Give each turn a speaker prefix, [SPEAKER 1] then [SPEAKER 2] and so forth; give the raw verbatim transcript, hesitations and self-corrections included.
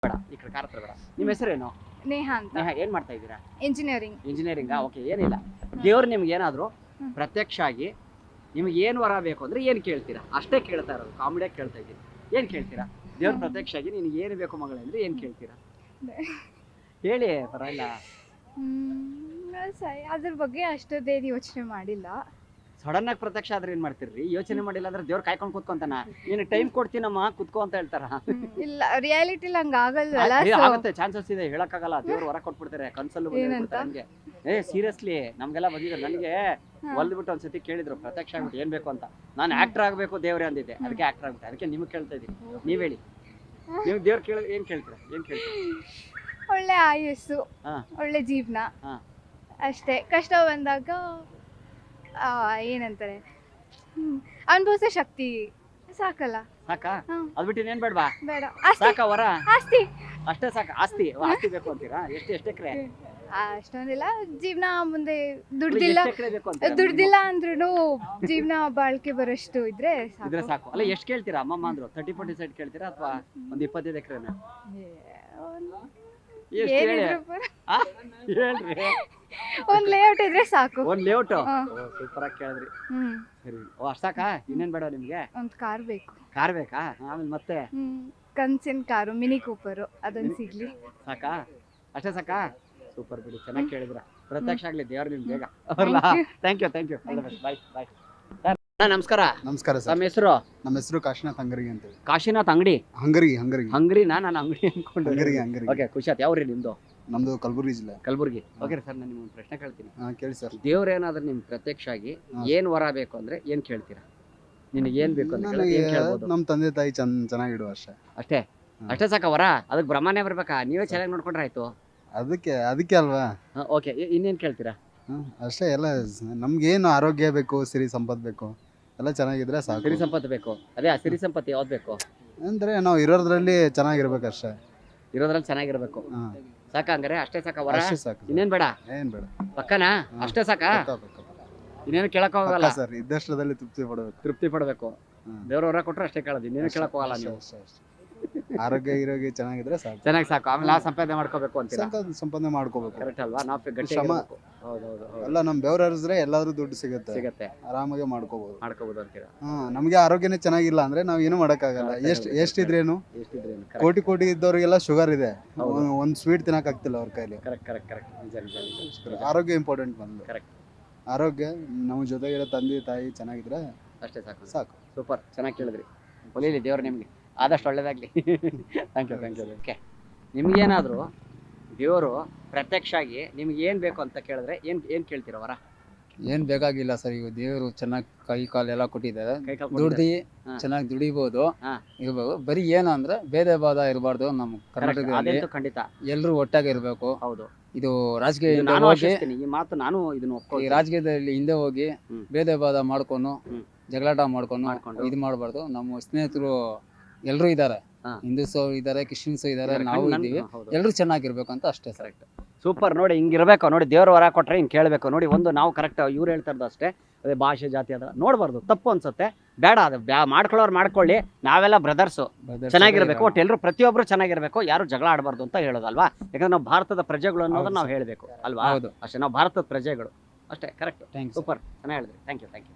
[SPEAKER 1] ಬೇಡ ಈ ಕಡೆ ಕಾರ ಹತ್ರ ಬೇಡ. ನಿಮ್ಮ ಹೆಸರೇನು?
[SPEAKER 2] ನೇಹಾ ಅಂತ.
[SPEAKER 1] ನೇಹಾ, ಏನ್ ಮಾಡ್ತಾ ಇದ್ದೀರಾ?
[SPEAKER 2] ಇಂಜಿನಿಯರಿಂಗ್.
[SPEAKER 1] ಇಂಜಿನಿಯರಿಂಗಾ? ಓಕೆ, ಏನಿಲ್ಲ. ದೇವ್ರು ನಿಮ್ಗೆ ಏನಾದ್ರು
[SPEAKER 2] ಹ್ಮ್.
[SPEAKER 1] ಪ್ರತ್ಯಕ್ಷ ಆಗಿ ನಿಮ್ಗೆ ಏನು ವರ ಬೇಕು ಅಂದ್ರೆ ಏನು ಕೇಳ್ತೀರಾ? ಅಷ್ಟೇ ಕೇಳ್ತಾ ಇರೋದು, ಕಾಮಿಡಿಯಾಗಿ ಕೇಳ್ತಾ ಇದ್ದೀನಿ. ಏನು ಕೇಳ್ತೀರಾ? ದೇವ್ರ ಪ್ರತ್ಯಕ್ಷ ಆಗಿ ನಿನಗೆ ಏನು ಬೇಕು ಮಗಳೇ ಅಂದ್ರೆ ಏನು ಕೇಳ್ತೀರಾ? ಹೇಳಿ, ಪರವಾಗಿಲ್ಲ.
[SPEAKER 2] ಹ್ಮ್, ಸರಿ, ಅದ್ರ ಬಗ್ಗೆ ಅಷ್ಟೊಂದೇನು ಯೋಚನೆ ಮಾಡಿಲ್ಲ.
[SPEAKER 1] ಸಡನ್ ಆಗಿ ಪ್ರತ್ಯಕ್ಷ ಆದ್ರೆ ಏನ್ ಮಾಡ್ತಿರ್ರಿ? ಯೋಚನೆ ಮಾಡಿಲ್ಲ ಅಂದ್ರೆ ದೇವ್ರು ಕಾಯ್ಕೊಂಡು ಕೂತ್ಕೊಂತಾನ, ನೀನು ಟೈಮ್ ಕೊಡ್ತೀನಮ್ಮ ಕುತ್ಕೋ ಅಂತ ಹೇಳ್ತಾರ?
[SPEAKER 2] ಹ್ಮ್, ಇಲ್ಲ, ರಿಯಾಲಿಟಿಲಿ ಹಂಗ ಆಗಲ್ವಲ್ಲ.
[SPEAKER 1] ಏ,
[SPEAKER 2] ಸೊ
[SPEAKER 1] ಆಗುತ್ತೆ, ಚಾನ್ಸಸ್ ಇದೆ, ಹೇಳಕ್ಕಾಗಲ್ಲ. ದೇವ್ರು ವರ ಕೊಟ್ಬಿಡ್ತಾರೆ, ಕನ್ಸಲ್ಲೂ ಬಂದು
[SPEAKER 2] ಏನಂತ?
[SPEAKER 1] ಹೇಳ್ಬಿಡ್ತಾರೆ ಹಂಗೆ. ಏ ಸೀರಿಯಸ್ಲಿ ನಮ್ಗೆಲ್ಲ ಬಂದಿದ್ರು, ನನಗೆ
[SPEAKER 2] ಹಾ.
[SPEAKER 1] ಹೊಲ್ದ್ಬಿಟ್ಟು ಒಂದ್ಸತಿ ಕೇಳಿದ್ರು ಪ್ರತ್ಯಕ್ಷ ಆಗ್ಬಿಟ್ಟು ಏನ್ ಬೇಕು ಅಂತ. ನಾನು
[SPEAKER 2] ಹ್ಮ್.
[SPEAKER 1] ಆಕ್ಟರ್ ಆಗ್ಬೇಕು ದೇವ್ರೆ ಅಂದಿದ್ದೆ, ಅದಕ್ಕೆ ಆಕ್ಟರ್ ಆಗ್ಬಿಟ್ಟೆ. ಅದಕ್ಕೆ ನಿಮ್ಗೆ ಕೇಳ್ತಾ ಇದ್ದೀನಿ, ನೀವ್ ಹೇಳಿ. ನೀವು ದೇವ್ರು ಕೇಳ ಏನ್ ಕೇಳ್ತೀರಾ? ಏನ್ ಕೇಳ್ತೀರಾ?
[SPEAKER 2] ಒಳ್ಳೆ ಆಯುಸ್ಸು,
[SPEAKER 1] ಹಾ.
[SPEAKER 2] ಒಳ್ಳೆ ಜೀವನ,
[SPEAKER 1] ಹಾ.
[SPEAKER 2] ಅಷ್ಟೇ. ಕಷ್ಟ ಬಂದಾಗ ಆ, ಏನಂತಾರೆ, ಹ್ಮ್, ಅನುಭವಿಸೋ ಶಕ್ತಿ ಸಾಕಲ್ಲ.
[SPEAKER 1] ಸಾಕಾ?
[SPEAKER 2] ಹಾ.
[SPEAKER 1] ಅದ್ ಬಿಟ್ಟು ಇನ್ನೇನ್ ಬೇಡ್ವಾ?
[SPEAKER 2] ಬೇಡ. ಆಸ್ತಿ,
[SPEAKER 1] ಸಾಕಾ ವರ?
[SPEAKER 2] ಆಸ್ತಿ
[SPEAKER 1] ಅಷ್ಟೇ ಸಾಕ? ಆಸ್ತಿ ಆಸ್ತಿ ಬೇಕು ಅಂತೀರಾ? ಎಷ್ಟು ಎಷ್ಟು ಎಕರೆ?
[SPEAKER 2] ಅಷ್ಟೊಂದಿಲ್ಲ. ಜೀವನ ಮುಂದೆ ದುಡ್ದಿಲ್ಲ
[SPEAKER 1] ಎಷ್ಟು ಎಕರೆ ಬೇಕು ಅಂತೀರಾ?
[SPEAKER 2] ದುಡ್ದಿಲ್ಲ ಅಂದ್ರೂ ಜೀವನ ಬಾಳ್ಕೆ ಬರೋಷ್ಟು ಇದ್ರೆ
[SPEAKER 1] ಇದ್ರೆ
[SPEAKER 2] ಸಾಕು.
[SPEAKER 1] ಸಾಕು. ಅಲ್ಲ, ಎಷ್ಟು ಕೇಳ್ತೀರಾ ಅಮ್ಮಮ್ಮ ಅಂದ್ರು? ತರ್ಟಿ ಫೋರ್ಟಿ ಸೈಡ್ ಕೇಳ್ತೀರಾ ಅಥವಾ ಒಂದ್ ಇಪ್ಪತ್ತೈದು ಎಕರೆನ?
[SPEAKER 2] ಏ, ಒಂದ್-
[SPEAKER 1] ಎಷ್ಟು ಹೇಳಿ?
[SPEAKER 2] ಏನಿದ್ರು ಪರ-
[SPEAKER 1] ಆ? ಹೇಳ್ರಿ.
[SPEAKER 2] ಒಂದ್ ಲೇಔಟ್ ಇದ್ರೆ ಸಾಕು.
[SPEAKER 1] ಒಂದ್ ಲೇಔಟ್.
[SPEAKER 2] ಹಾ.
[SPEAKER 1] ಸೂಪರ್ ಆಗಿ ಕೇಳಿದ್ರಿ.
[SPEAKER 2] ಹ್ಮ್,
[SPEAKER 1] ಸರಿ, ಓ ಅಷ್ಟ್ ಸಾಕಾ? ಇನ್ನೇನ್ ಬೇಡ ನಿಮ್ಗೆ?
[SPEAKER 2] ಒಂದ್ ಕಾರ್ ಬೇಕು.
[SPEAKER 1] ಕಾರ್ ಬೇಕಾ? ಆಮೇಲೆ ಮತ್ತೆ
[SPEAKER 2] ಹ್ಮ್, ಕನ್ಸಿನ ಕಾರು, ಮಿನಿ ಕೂಪರು ಅದೊಂದ್ ಸಿಗ್ಲಿ.
[SPEAKER 1] ಸಾಕಾ? ಅಷ್ಟೇ ಸಾಕಾ? ಸೂಪರ್ ಬಿಡಿ, ಚೆನ್ನಾಗಿ ಕೇಳಿದ್ರ. ಪ್ರತ್ಯಕ್ಷ ಆಗ್ಲಿ ದೇವ್ರು ನಿಮ್ ಬೇಗ.
[SPEAKER 2] Thank you.
[SPEAKER 1] Thank you thank you. Bye bye. ನಮಸ್ಕಾರ.
[SPEAKER 3] ನಮಸ್ಕಾರ ಸರ್.
[SPEAKER 1] ನಮ್ಮ ಹೆಸರು?
[SPEAKER 3] ನಮ್ಮ ಹೆಸರು ಕಾಶಿನಾಥ್ ಹಂಗರಿ ಅಂತ ಹೇಳಿ.
[SPEAKER 1] ಕಾಶಿನಾಥ್ ಅಂಗಡಿ.
[SPEAKER 3] ಹಂಗರಿ ಹಂಗರಿ
[SPEAKER 1] ಹಂಗ್ರಿನಾ? ನಾನು ಅಂಗಡಿ ಅನ್ಕೊಂಡು.
[SPEAKER 3] ಹಂಗರಿ ಹಂಗರಿ
[SPEAKER 1] ಓಕೆ, ಖುಷಿ ಆಯ್ತು. ಯಾವ್ರಿ ನಿಮ್ದು?
[SPEAKER 3] ನಮ್ದು ಕಲಬುರಗಿ ಜಿಲ್ಲೆ.
[SPEAKER 1] ಕಲಬುರ್ಗಿ. ಓಕೆ ಸರ್, ನಾನು ನಿಮ್ಗೆ ಪ್ರಶ್ನೆ ಕೇಳ್ತೀನಿ.
[SPEAKER 3] ಹಾ ಕೇಳಿ ಸರ್.
[SPEAKER 1] ದೇವ್ರೇನಾದ್ರೂ ನಿಮ್ಗೆ ಪ್ರತ್ಯಕ್ಷ ಆಗಿ
[SPEAKER 3] ಹಾ.
[SPEAKER 1] ಏನ್ ವರ ಬೇಕು ಅಂದ್ರೆ ಏನ್ ಕೇಳ್ತೀರಾ? ನಿನಗೆ ಏನ್ ಬೇಕು ಅಂತ ಕೇಳಿದ್ರೆ
[SPEAKER 3] ನನಗೆ
[SPEAKER 1] ಏನ್ ಕೇಳ್ಬೋದು?
[SPEAKER 3] ನಮ್ಮ ತಂದೆ ತಾಯಿ ಚಂದ ಚೆನ್ನಾಗಿಡುವ ಅಷ್ಟೇ.
[SPEAKER 1] ಅಷ್ಟೇ?
[SPEAKER 3] ಹಾ.
[SPEAKER 1] ಅಷ್ಟೇ ಸಾಕ ವರ? ಅದಕ್ಕೆ ಬ್ರಹ್ಮನೇ ಬರ್ಬೇಕಾ? ನೀವೇ ಚೆನ್ನಾಗಿ ನೋಡ್ಕೊಂಡ್ರೆ ಆಯ್ತು.
[SPEAKER 3] ಅದಕ್ಕೆ ಅದಕ್ಕೆ ಅಲ್ವಾ.
[SPEAKER 1] ಓಕೆ, ಇನ್ನೇನ್ ಕೇಳ್ತೀರಾ?
[SPEAKER 3] ಹ್ಮ್, ಅಷ್ಟೇ. ಎಲ್ಲ ಸ- ನಮ್ಗೇನು ಆರೋಗ್ಯ ಬೇಕು, ಸಿರಿ ಸಂಪತ್ ಬೇಕು, ಎಲ್ಲ ಚೆನ್ನಾಗಿದ್ರೆ ಸಾಕು.
[SPEAKER 1] ಸಿರಿ ಸಂಪತ್ತು ಬೇಕು. ಅದೇ ಆ ಸಿರಿ ಸಂಪತ್ತು ಯಾವ್ದು ಬೇಕು?
[SPEAKER 3] ಅಂದ್ರೆ ನಾವು ಇರೋದ್ರಲ್ಲಿ ಚೆನ್ನಾಗಿರ್ಬೇಕು ಅಷ್ಟೇ.
[SPEAKER 1] ಇರೋದ್ರಲ್ಲಿ ಚೆನ್ನಾಗಿರ್ಬೇಕು.
[SPEAKER 3] ಹಾ,
[SPEAKER 1] ಸಾಕ ಹಂಗಾರೆ? ಅಷ್ಟೇ ಸಾಕ ವರ?
[SPEAKER 3] ಅಷ್ಟೇ ಸಾಕು ಸರ್.
[SPEAKER 1] ಇನ್ನೇನ್ ಬೇಡ?
[SPEAKER 3] ಏನ್ ಬೇಡ.
[SPEAKER 1] ಪಕ್ಕನಾ?
[SPEAKER 3] ಹಾ.
[SPEAKER 1] ಅಷ್ಟೇ ಸಾಕ?
[SPEAKER 3] ಪಕ್ಕ, ಪಕ್ಕ, ಪಕ್ಕ.
[SPEAKER 1] ಇನ್ನೇನು ಕೇಳಕ್ ಹೋಗಲ್ಲ?
[SPEAKER 3] ಪಕ್ಕ ಸರ್, ಇದ್ದಷ್ಟರಲ್ಲಿ ತೃಪ್ತಿ ಪಡಬೇಕು.
[SPEAKER 1] ತೃಪ್ತಿ ಪಡ್ಬೇಕು.
[SPEAKER 3] ಹಾ.
[SPEAKER 1] ದೇವ್ರ ವರ ಕೊಟ್ರೆ ಅಷ್ಟೇ ಕೇಳೋದು, ಇನ್ನೇನು
[SPEAKER 3] ಅಷ್ಟೇ,
[SPEAKER 1] ಕೇಳಕ್ ಹೋಗಲ್ಲ
[SPEAKER 3] ಅಷ್ಟೇ,
[SPEAKER 1] ನೀವು.
[SPEAKER 3] ಅಷ್ಟೇ, ಅಷ್ಟೇ. ಆರೋಗ್ಯ ಇರೋಗಿ ಚೆನ್ನಾಗಿದ್ರೆ ಸಾಕು.
[SPEAKER 1] ಚೆನ್ನಾಗಿ ಸಾಕು. ಆಮೇಲೆ ಆ ಸಂಪಾದನೆ ಮಾಡ್ಕೋಬೇಕು ಅಂತೀರಾ?
[SPEAKER 3] ಸಂಪಾದನೆ ಸಂಪಾದನೆ ಮಾಡ್ಕೋಬೇಕು.
[SPEAKER 1] ಕರೆಕ್ಟ್ ಅಲ್ವಾ? ನಾವು ಗಟ್ಟಿ
[SPEAKER 3] ಶ್ರಮ.
[SPEAKER 1] ಹೌದೌದು ಹೌದು.
[SPEAKER 3] ಎಲ್ಲ ನಮ್ ಬೆವ್ರು ಹರಿಸಿದ್ರೆ ಎಲ್ಲಾದ್ರೂ ದುಡ್ಡು ಸಿಗುತ್ತೆ,
[SPEAKER 1] ಸಿಗತ್ತೆ,
[SPEAKER 3] ಆರಾಮಾಗಿ ಮಾಡ್ಕೋಬಹುದು.
[SPEAKER 1] ಮಾಡ್ಕೋಬಹುದು ಅಂತೀರಾ?
[SPEAKER 3] ಹಾ, ನಮ್ಗೆ ಆರೋಗ್ಯನೇ ಚೆನ್ನಾಗಿಲ್ಲ ಅಂದ್ರೆ ನಾವ್ ಏನು ಮಾಡಕ್ಕಾಗಲ್ಲ.
[SPEAKER 1] Correct,
[SPEAKER 3] ಎಷ್ಟ್
[SPEAKER 1] correct.
[SPEAKER 3] ಎಷ್ಟಿದ್ರೇನು
[SPEAKER 1] ಎಷ್ಟಿದ್ರೇನು?
[SPEAKER 3] ಕೋಟಿ ಕೋಟಿ ಇದ್ದವ್ರಿಗೆಲ್ಲ ಶುಗರ್ ಇದೆ.
[SPEAKER 1] ಹೌದು.
[SPEAKER 3] ಒಂದ್- ಒಂದ್ ಸ್ವೀಟ್ ತಿನ್ನಕ್ ಆಗ್ತಿಲ್ಲ ಅವ್ರ ಕೈಲಿ.
[SPEAKER 1] Correct correct correct. ನಿಜ ನಿಜ ನಿಜ.
[SPEAKER 3] ಆರೋಗ್ಯ ಇಂಪಾರ್ಟೆಂಟ್ ಬಂದು.
[SPEAKER 1] ಕರೆಕ್ಟ್.
[SPEAKER 3] ಆರೋಗ್ಯ ನಮ್ಮ ಜೊತೆಗಿರೋ ತಂದೆ ತಾಯಿ ಚೆನ್ನಾಗಿದ್ರೆ
[SPEAKER 1] ಅಷ್ಟೇ ಸಾಕು.
[SPEAKER 3] ಸಾಕು.
[SPEAKER 1] ಸೂಪರ್, ಚೆನ್ನಾಗಿ ಕೇಳಿದ್ರಿ. ಒಲಿಲಿ ದೇವ್ರು ನಿಮಗೆ ಆದಷ್ಟು ಒಳ್ಳೇದಾಗಲಿ. Thank you thank you. Okay, ನಿಮ್ಗೇನಾದರೂ ದೇವರು ಪ್ರತ್ಯಕ್ಷ ಆಗಿ ನಿಮ್ಗೆ ಏನು ಬೇಕು ಅಂತ ಕೇಳಿದ್ರೆ ಏನು ಏನು ಕೇಳ್ತೀರ ವರ?
[SPEAKER 4] ಏನ್ ಬೇಕಾಗಿಲ್ಲ ಸರ್. ಈಗ ದೇವರು ಚೆನ್ನಾಗಿ ಕೈ ಕಾಲು ಎಲ್ಲ ಕೊಟ್ಟಿದ್ದಾರೆ.
[SPEAKER 1] ಕೈ ಕಾಲು
[SPEAKER 4] ದುಡ್ದು
[SPEAKER 1] ಹಾ.
[SPEAKER 4] ಚೆನ್ನಾಗಿ ದುಡಿಬಹುದು,
[SPEAKER 1] ಹಾ.
[SPEAKER 4] ಇರ್ಬೋದು. ಬರೀ ಏನಂದ್ರೆ ಭೇದ ಭಾದ ಇರಬಾರ್ದು. ನಮ್ಮ ಕರ್ನಾಟಕದಲ್ಲಿ
[SPEAKER 1] ಅದಂತೂ ಖಂಡಿತ
[SPEAKER 4] ಎಲ್ಲರೂ ಒಟ್ಟಾಗಿ ಇರಬೇಕು.
[SPEAKER 1] ಹೌದು.
[SPEAKER 4] ಇದು
[SPEAKER 1] ಇದು
[SPEAKER 4] ರಾಜಕೀಯದಿಂದ
[SPEAKER 1] ನಾನು
[SPEAKER 4] ಹೋಗಿ
[SPEAKER 1] ಆಶಿಸ್ತೀನಿ, ಈ ಮಾತು ನಾನು ಇದನ್ನು
[SPEAKER 4] ಈ
[SPEAKER 1] ಒಪ್ಕೊಳ್ತೀನಿ.
[SPEAKER 4] ರಾಜಕೀಯದಲ್ಲಿ ಹಿಂದೆ ಹೋಗಿ
[SPEAKER 1] ಹ್ಮ್.
[SPEAKER 4] ಭೇದ ಭಾದ ಮಾಡ್ಕೊಂಡು
[SPEAKER 1] ಹ್ಮ್.
[SPEAKER 4] ಜಗಳಾಟ ಮಾಡ್ಕೊಂಡು
[SPEAKER 1] ಮಾಡ್ಕೊಂಡು.
[SPEAKER 4] ಇದು ಮಾಡಬಾರ್ದು. ನಮ್ಮ ಸ್ನೇಹಿತರು ಎಲ್ಲರೂ ಇದ್ದಾರೆ,
[SPEAKER 1] ಹಾ.
[SPEAKER 4] ಹಿಂದೂಸ್ ಇದ್ದಾರೆ, ಕ್ರಿಶ್ಚಿಯನ್ಸ್ ಇದ್ದಾರೆ,
[SPEAKER 1] ಇದ್ದಾರೆ,
[SPEAKER 4] ನಾವು
[SPEAKER 1] ನನ್-
[SPEAKER 4] ಇದ್ದೀವಿ.
[SPEAKER 1] ಹೌದು.
[SPEAKER 4] ಎಲ್ಲರೂ ಚೆನ್ನಾಗಿರ್ಬೇಕು ಅಂತ ಅಷ್ಟೇ ಸರ್.
[SPEAKER 1] ಕರೆಕ್ಟ್. ಸೂಪರ್. ನೋಡಿ, ಹಿಂಗಿರ್ಬೇಕು. ನೋಡಿ, ದೇವ್ರ ವರ ಕೊಟ್ರೆ ಹಿಂಗೆ ಕೇಳಬೇಕು. ನೋಡಿ, ಒಂದು ನಾವು ಕರೆಕ್ಟ್ ಇವ್ರು ಹೇಳ್ತಾ ಇರೋದು ಅಷ್ಟೇ. ಅದೇ ಭಾಷೆ ಜಾತಿ ಅದ ನೋಡ್ಬಾರ್ದು, ತಪ್ಪು ಅನ್ಸುತ್ತೆ. ಬೇಡ, ಅದು ಬ್ಯಾ ಮಾಡ್ಕೊಳ್ಳೋರು ಮಾಡ್ಕೊಳ್ಳಿ. ನಾವೆಲ್ಲ ಬ್ರದರ್ಸು
[SPEAKER 4] Brothers
[SPEAKER 1] ಚೆನ್ನಾಗಿರ್ಬೇಕು.
[SPEAKER 4] ಇದ್ದಾರೆ.
[SPEAKER 1] ಒಟ್ಟು ಎಲ್ಲರೂ ಪ್ರತಿಯೊಬ್ಬರು ಚೆನ್ನಾಗಿರ್ಬೇಕು, ಯಾರು ಜಗಳ ಆಡಬಾರ್ದು ಅಂತ ಹೇಳೋದಲ್ವಾ? ಯಾಕಂದ್ರೆ ನಾವು ಭಾರತದ ಪ್ರಜೆಗಳು ಅನ್ನೋದನ್ನ
[SPEAKER 4] ಹೌದು
[SPEAKER 1] ನಾವು
[SPEAKER 4] ಸರ್.
[SPEAKER 1] ಹೇಳಬೇಕು ಅಲ್ವಾ?
[SPEAKER 4] ಹೌದು.
[SPEAKER 1] ಅಷ್ಟೇ, ನಾವು ಭಾರತದ ಪ್ರಜೆಗಳು ಅಷ್ಟೇ. ಕರೆಕ್ಟ್.
[SPEAKER 4] Thanks.
[SPEAKER 1] ಸೂಪರ್, ಚೆನ್ನಾಗಿ ಹೇಳಿದ್ರಿ. Thank you thank you.